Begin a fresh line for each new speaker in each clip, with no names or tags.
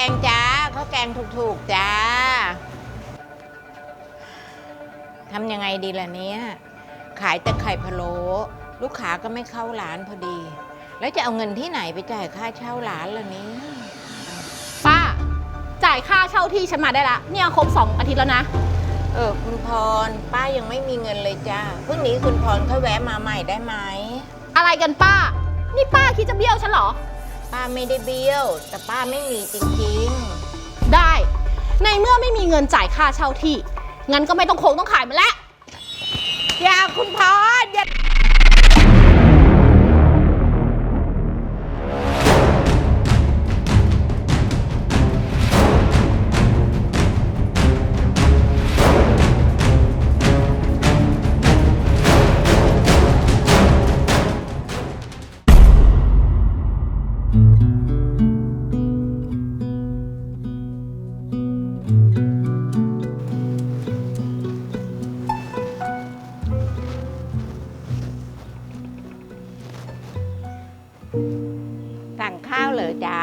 งจ้าข้าวแกงถูกๆจ้าทำยังไงดีล่ะเนี้ยขายแต่ไข่พะโล้ลูกค้าก็ไม่เข้าร้านพอดี แล้วจะเอาเงินที่ไหนไปจ่ายค่าเช่าร้านล่ะเนี้ย
ป้าจ่ายค่าเช่าที่ฉันมาได้ละเนี่ยครบ2 อาทิตย์แล้วนะ
คุณพรป้ายังไม่มีเงินเลยจ้าพรุ่งนี้คุณพรค่อยแวะมาใหม่ได้ไหม
อะไรกันป้านี่ป้าคิดจะเบี้ยวฉันเหรอ
ป้าไม่ได้เบี้ยวแต่ป้าไม่มีจริง
ๆได้ในเมื่อไม่มีเงินจ่ายค่าเช่าที่งั้นก็ไม่ต้องขายมันแล้ว
อย่าคุณพรอย่าสั่งข้าวเหรอจ๊ะ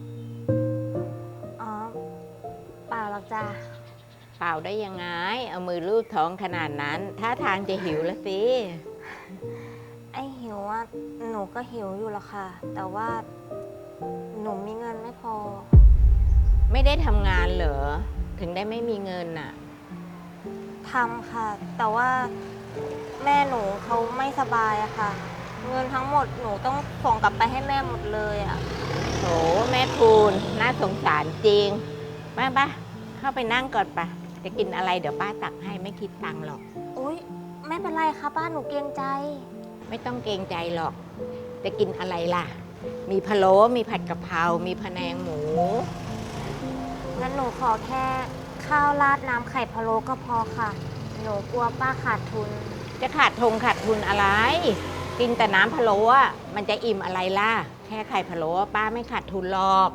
อ๋อเปล่าหรอกจ้ะ
เปล่าได้ยังไงเอามือลูบท้องขนาดนั้นท่าทางจะหิวละสิ
ไอหิวว่าหนูก็หิวอยู่ละค่ะแต่ว่าหนูมีเงินไม่พอ
ไม่ได้ทำงานเหรอถึงได้ไม่มีเงินน่ะ
ทำค่ะแต่ว่าแม่หนูเขาไม่สบายอะค่ะเงินทั้งหมดหนูต้องส่งกลับไปให้แม่หมดเลยอะ
โถแม่คุณน่าสงสารจริงป้าเข้าไปนั่งก่อนปะจะกินอะไรเดี๋ยวป้าตักให้ไม่คิดตังค์หรอก
อุ๊ยไม่เป็นไรค่ะป้าหนูเกรงใจ
ไม่ต้องเกรงใจหรอกจะกินอะไรล่ะมีพะโล้มีผัดกะเพรามีพะแนงหมู
งั้นหนูขอแค่ข้าวราดน้ำไข่พะโล้ก็พอค่ะหนูกลัวป้าขาดทุน
จะขาดทุนอะไรกินแต่น้ำพะโล้อะมันจะอิ่มอะไรล่ะแค่ไข่พะโล้ป้าไม่ขาดทุนหรอก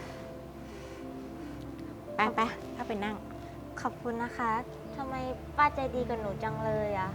ไปเข้าไปนั่ง
ขอบคุณนะคะทำไมป้าใจดีกับหนูจังเลยอะ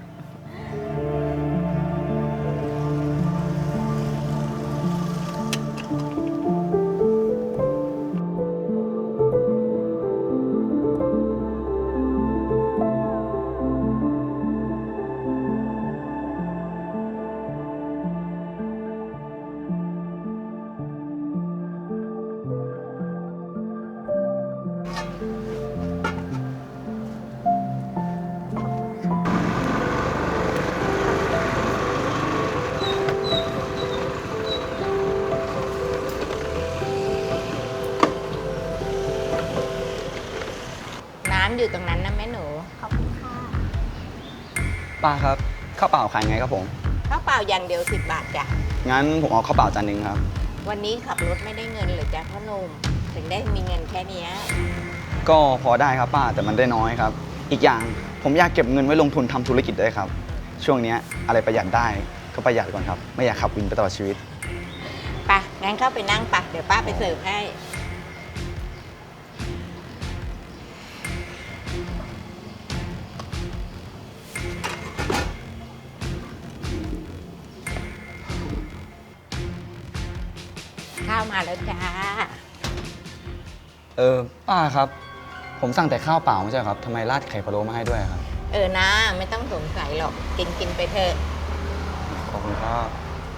น้ำอยู่ตรงนั้นนะแม่หนู
ขอบคุณค่ะ
ป้าครับข้าวเปล่าขายไงครับผม
ข้าวเปล่าอย่างเดียว10 บาทจ้ะ
งั้นผมเอาข้าวเปล่าจานหนึ่งครับ
วันนี้ขับรถไม่ได้เงินหรือจ้ะพ่อหนุ่มถึงได้มีเงินแค่นี้
ก็พอได้ครับป้าแต่มันได้น้อยครับอีกอย่างผมอยากเก็บเงินไว้ลงทุนทำธุรกิจด้วยครับช่วงนี้อะไรประหยัดได้ก็ประหยัดก่อนครับไม่อยากขับวินไปตลอดชีวิต
ไปงั้นเข้าไปนั่งปะเดี๋ยวป้าไปเสิร์ฟให้ข้าวมาแล้วจ้า
ป้าครับผมสั่งแต่ข้าวเปล่าไม่ใช่ครับทำไมราดไข่พะโล้มาให้ด้วยครับ
นะไม่ต้องสงสัยหรอกกินไปเถอะ
ขอบคุณครับ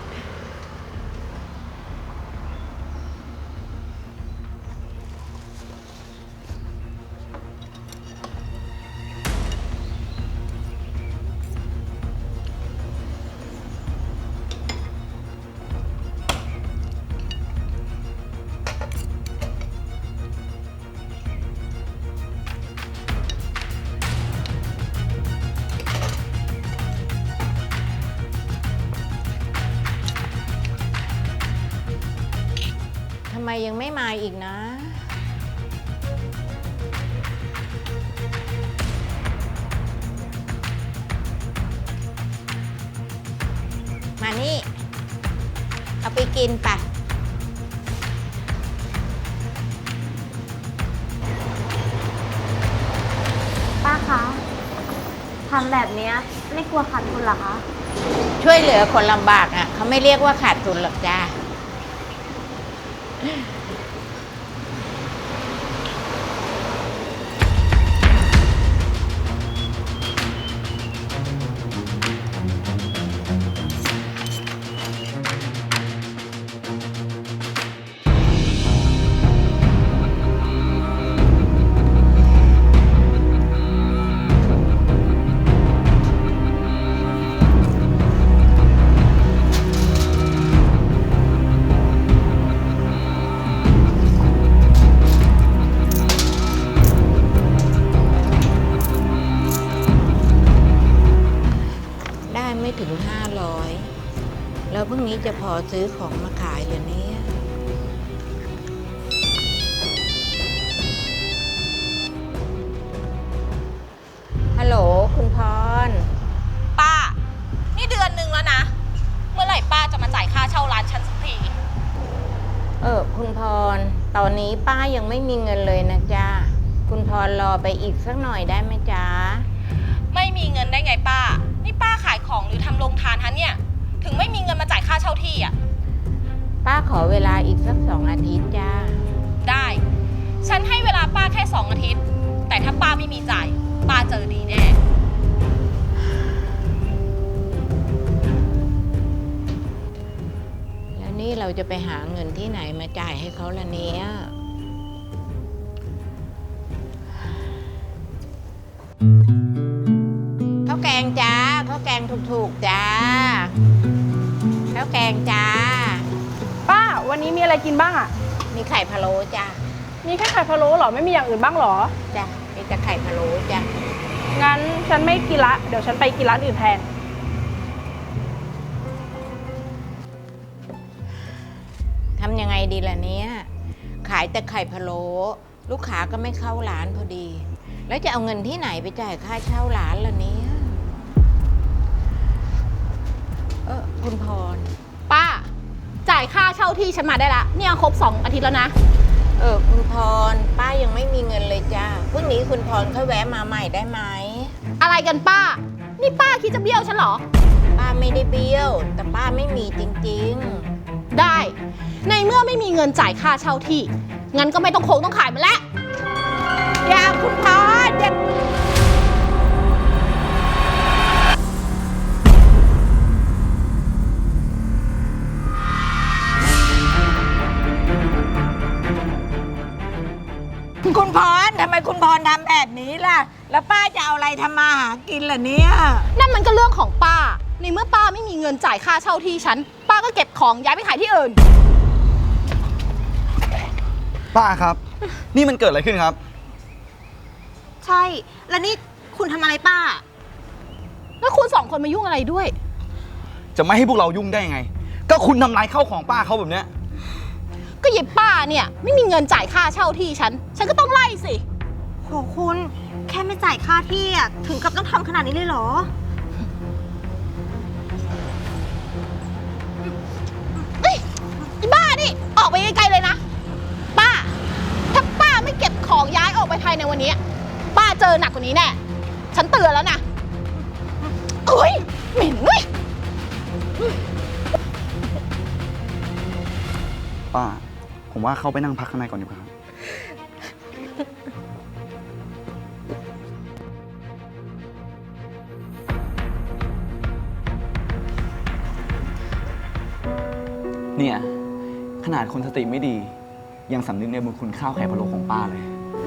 ทำไมยังไม่มาอีกนะมานี่เอาไปกินปะ
ป้าคะทำแบบนี้ไม่กลัวขาดทุนเหรอคะ
ช่วยเหลือคนลำบากอ่ะเขาไม่เรียกว่าขาดทุนหรอกจ้าจะพอซื้อของมาขายเหรอเนี่ยฮัลโหลคุณพร
ป้า นี่เดือนหนึ่งแล้วนะ เมื่อไหร่ป้าจะมาจ่ายค่าเช่าร้านฉันสักที
คุณพร ตอนนี้ป้ายังไม่มีเงินเลยนะจ๊ะคุณพรรอไปอีกสักหน่อยได้ไหมจ๊ะ
ไม่มีเงินได้ไงป้า นี่ป้าขายของหรือทำโรงทานฮะเนี่ย ถึงไม่มีเงินมาจ่ายค่าเช่าที่อ่ะ
ป้าขอเวลาอีกสัก2 อาทิตย์จ้า
ได้ ฉันให้เวลาป้าแค่2 อาทิตย์ แต่ถ้าป้าไม่มีจ่าย ป้าเจอดีแน่
แล้วนี่เราจะไปหาเงินที่ไหนมาจ่ายให้เขาล่ะเนี่ยข้าวแกงจ้าข้าวแกงถูกๆจ้าข้าวแกงจ้า
ป้าวันนี้มีอะไรกินบ้างอะ
มีไข่พะโล้จ้า
มีแค่ไข่พะโล้เหรอ ไม่มีอย่างอื่นบ้างเหรอ
จ้ามีแต่ไข่พะโล้จ้า
งั้นฉันไม่กินละ เดี๋ยวฉันไปกินร้านอื่นแทน
ทำยังไงดีล่ะเนี่ยขายแต่ไข่พะโล้ลูกค้าก็ไม่เข้าร้านพอดี แล้วจะเอาเงินที่ไหนไปจ่ายค่าเช่าร้านล่ะเนี่ยคุณพร
ป้า จ่ายค่าเช่าที่ฉันมาได้ละเนี่ยครบ2 อาทิตย์แล้วนะ
คุณพรป้ายังไม่มีเงินเลยจ้าพรุ่งนี้คุณพรค่อยแวะมาใหม่ได้ไหม
อะไรกันป้า นี่ป้าคิดจะเบี้ยวฉันเหรอ
ป้าไม่ได้เบี้ยว แต่ป้าไม่มีจริง
ได้ ในเมื่อไม่มีเงินจ่ายค่าเช่าที่ งั้นก็ไม่ต้องขายมันแล้ว
ๆอย่าคุณพรอย่าคุณพรทำไมคุณพรทำแบบนี้ล่ะ แล้วป้าจะเอาอะไรทำมาหากินล่ะเนี่ย
นั่นมันก็เรื่องของป้า ในเมื่อป้าไม่มีเงินจ่ายค่าเช่าที่ฉัน ป้าก็เก็บของย้ายไปขายที่อื่น
ป้าครับ นี่มันเกิดอะไรขึ้นครับ
ใช่ แล้วนี่คุณทำอะไรป้า
แล้วคุณ2 คนมายุ่งอะไรด้วย
จะไม่ให้พวกเรายุ่งได้ยังไง ก็คุณทำลายข้าวของป้าเขาแบบเนี้ย
ก็ยิบป้าเนี่ยไม่มีเงินจ่ายค่าเช่าที่ฉันก็ต้องไล่สิ
โหคุณแค่ไม่จ่ายค่าที่อ่ะถึงกับต้องทำขนาดนี้เลยเหรอ
เฮ้ยอีบ้านี่ออกไปไกลๆเลยนะ ป้า ถ้าป้าไม่เก็บของย้ายออกไปภายในวันนี้ ป้าเจอหนักกว่านี้แน่ ฉันเตือนแล้วนะเอ้ยเหม็นเว้ย
ป้า ผมว่าเข้าไปนั่งพักข้างในก่อนดีกว่าครับ เนี่ย ขนาดคนสติไม่ดี ยังสำนึกในบุญคุณข้าวไข่พะโล้ของป้าเลย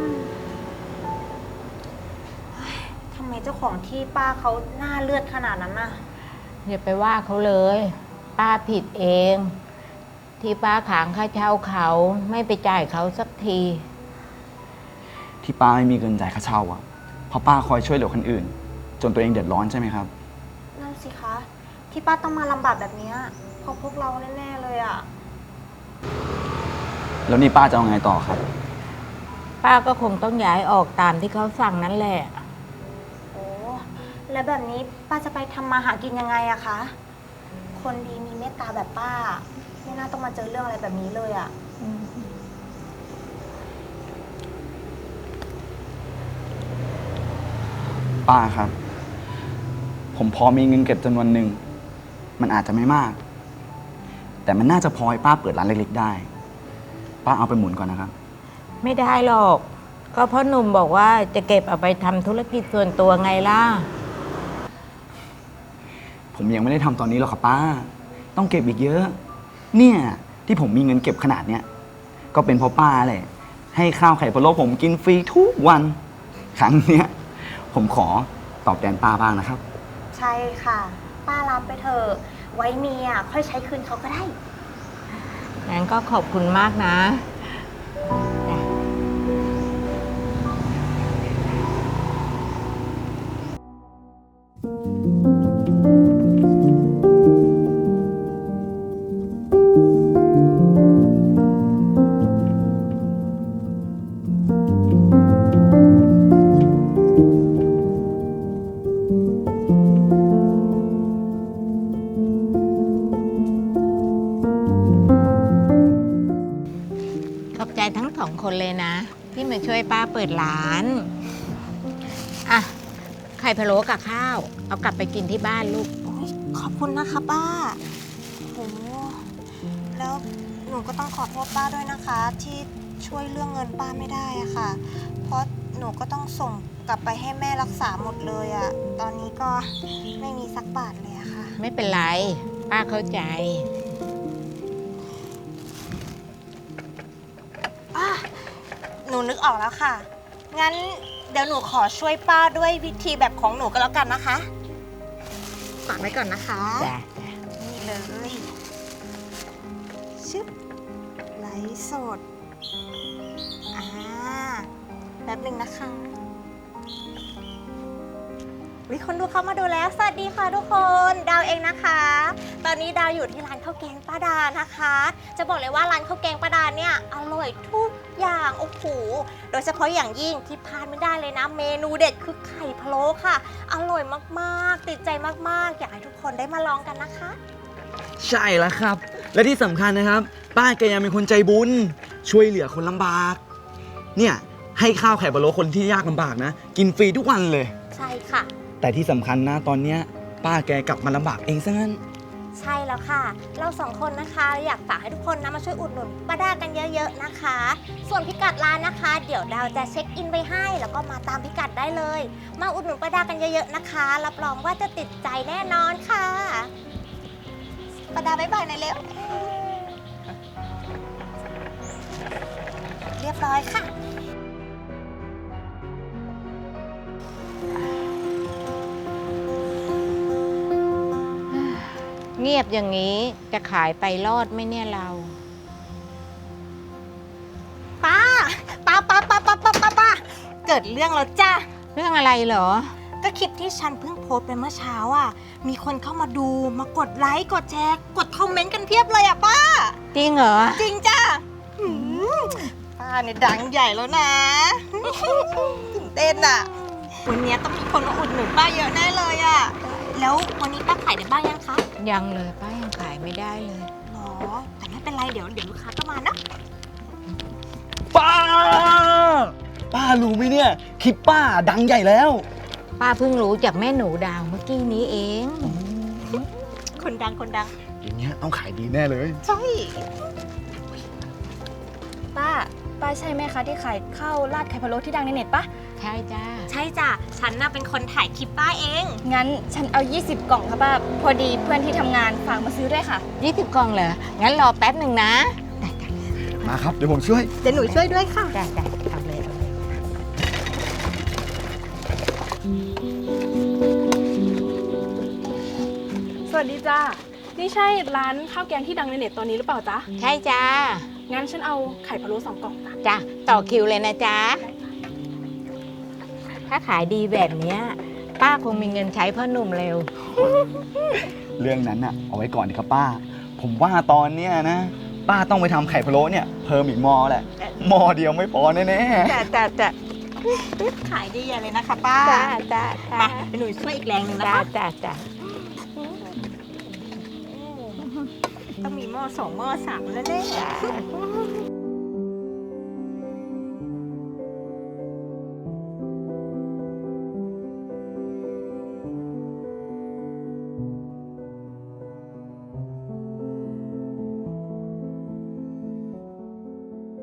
ทำไมเจ้าของที่ป้าเขาหน้าเลือดขนาดนั้นน่ะ
อย่าไปว่าเขาเลย ป้าผิดเอง ที่ป้าขางค่าเช่าเขาไม่ไปจ่ายเขาสักที
ที่ป้าไม่มีเงินจ่ายค่าเช่าอะเพราะป้าคอยช่วยเหลือคนอื่น จนตัวเองเดือดร้อนใช่ไหมครับ
นั่นสิคะ ที่ป้าต้องมาลำบากแบบเนี้ยเพราะพวกเราแน่ๆเลยอ่ะ
แล้วนี่ป้าจะเอาไงต่อครับ
ป้าก็คงต้องย้ายออกตามที่เขาสั่งนั่นแหละ
โอ้แล้วแบบนี้ป้าจะไปทำมาหากินยังไงอะคะ คนดีมีเมตตาแบบป้า ไม่น่าต้องมาเจอเรื่องอะไรแบบนี้เลยอะ
ป้าครับ ผมพอมีเงินเก็บจำนวนหนึ่ง มันอาจจะไม่มาก แต่มันน่าจะพอให้ป้าเปิดร้านเล็กๆได้ ป้าเอาไปหมุนก่อนนะครับ
ไม่ได้หรอก ก็พ่อหนุ่มบอกว่าจะเก็บเอาไปทำธุรกิจส่วนตัวไงล่ะ
ผมยังไม่ได้ทำตอนนี้หรอกครับป้า ต้องเก็บอีกเยอะ เนี่ยที่ผมมีเงินเก็บขนาดเนี้ยก็เป็นเพราะป้าแหละ ให้ข้าวไข่พะโล้ผมกินฟรีทุกวัน ครั้งเนี้ยผมขอตอบแทนป้าบ้างนะครับ
ใช่ค่ะ ป้ารับไปเถอะไว้มีอะค่อยใช้คืนเขาก็ได้
งั้นก็ขอบคุณมากนะจ้ะที่มาช่วยป้าเปิดร้านอ่ะไข่พะโล้กับข้าว เอากลับไปกินที่บ้านลูก
โอ๊ยขอบคุณนะคะป้าโหแล้วหนูก็ต้องขอโทษป้าด้วยนะคะ ที่ช่วยเรื่องเงินป้าไม่ได้อะค่ะ เพราะหนูก็ต้องส่งกลับไปให้แม่รักษาหมดเลยอะตอนนี้ก็ไม่มีสักบาทเลยอะค่ะ
ไม่เป็นไร ป้าเข้าใจ
หนูนึกออกแล้วค่ะ งั้นเดี๋ยวหนูขอช่วยป้าด้วยวิธีแบบของหนูก็แล้วกันนะคะฝากไว้ก่อนนะคะ
จ้ะ
นี่เลยชึบไลฟ์สดแป๊บหนึ่งนะคะวิคนดูเข้ามาดูแล้ว สวัสดีค่ะทุกคน ดาวเองนะคะ ตอนนี้ดาวอยู่ที่ร้านข้าวแกงป้าดานะคะ จะบอกเลยว่าร้านข้าวแกงป้าดาเนี่ยอร่อยทุกอย่าง โอ้โห โดยเฉพาะอย่างยิ่งที่พลาดไม่ได้เลยนะ เมนูเด็ดคือไข่พะโล้ค่ะ อร่อยมากๆ ติดใจมากๆ อยากให้ทุกคนได้มาลองกันนะคะ
ใช่แล้วครับ และที่สำคัญนะครับ ป้าแกยังเป็นคนใจบุญ ช่วยเหลือคนลำบาก เนี่ยให้ข้าวไข่พะโล้คนที่ยากลำบากนะ กินฟรีทุกวันเลย
ใช่ค่ะ
แต่ที่สำคัญนะตอนเนี้ยป้าแกกลับมาลำบากเองซะงั้น
ใช่แล้วค่ะ เราสองคนนะคะอยากฝากให้ทุกคนนะมาช่วยอุดหนุนป้าดากันเยอะๆนะคะ ส่วนพิกัดร้านนะคะ เดี๋ยวดาวจะเช็คอินไว้ให้ แล้วก็มาตามพิกัดได้เลย มาอุดหนุนป้าดากันเยอะๆนะคะ รับรองว่าจะติดใจแน่นอนค่ะป้าดาบ๊ายบายหน่อยเร็ว เรียบร้อยค่ะ
เงียบอย่างนี้จะขายไปรอดไหมเนี่ยเรา
ป้าเกิดเรื่องแล้วจ้า
เรื่องอะไรเหรอ
ก็คลิปที่ฉันเพิ่งโพสต์ไปเมื่อเช้าอ่ะ มีคนเข้ามาดูมากดไลค์กดแชร์กดคอมเมนต์กันเพียบเลยอ่ะป้า
จริงเหรอ
จริงจ้าป้าเนี่ยดังใหญ่แล้วนะ ตื่นเต้นอ่ะ วันนี้ต้องมีคนมาอุดหนุนป้าเยอะแน่เลยอ่ะ แล้ววันนี้ป้าขายได้บ้างยังคะ
ยังเลยป้ายังขายไม่ได้เลย
หรอ แต่ไม่เป็นไรเดี๋ยวลูกค้าก็มานะ
ป้ารู้ไหมเนี่ยคลิปป้าดังใหญ่แล้ว
ป้าเพิ่งรู้จากแม่หนูดาวเมื่อกี้นี้เอง
คนดัง
อย่างเงี้ยต้องขายดีแน่เลย
ใช่
ป้าใช่ไหมคะที่ขายข้าวราดไข่พะโล้ที่ดังในเน็ตปะ
ใช่จ้า
ใช่จ้ะ ฉันน่ะเป็นคนถ่ายคลิปป้าเอง
งั้นฉันเอา 20 กล่องค่ะป้า พอดีเพื่อนที่ทำงานฝากมาซื้อด้วยค่ะ
20 กล่องเหรอ งั้นรอแป๊บหนึ่งนะ
มาครับเดี๋ยวผมช่วย
เดี๋ยวหนูช่วยด้วยค่ะ
จ้าเอาเลยเอาเลย
สวัสดีจ้า นี่ใช่ร้านข้าวแกงที่ดังในเน็ตตอนนี้หรือเปล่าจ๊ะ
ใช่จ้า
งั้นฉันเอาไข่พะโล้2 กล่องจ้ะ
จ้าต่อคิวเลยนะจ๊ะ ถ้าขายดีแบบเนี้ยป้าคงมีเงินใช้พ่อหนุ่มเร็ว
เรื่องนั้นน่ะเอาไว้ก่อนดีครับป้า ผมว่าตอนเนี้ยนะ ป้าต้องไปทำไข่พะโล้เนี่ยเพิ่มอีกหม้อแหละหม้อเดียวไม่พอแน่
จ้า
ขายดีใหญ่เลยนะคะป้า
จ้า
มาเดี๋ยวหนูช่วยอีกแรงหนึ่งนะคะ
จ้า
ต้องมีหม้อ2 หม้อ 3 แล้วแน่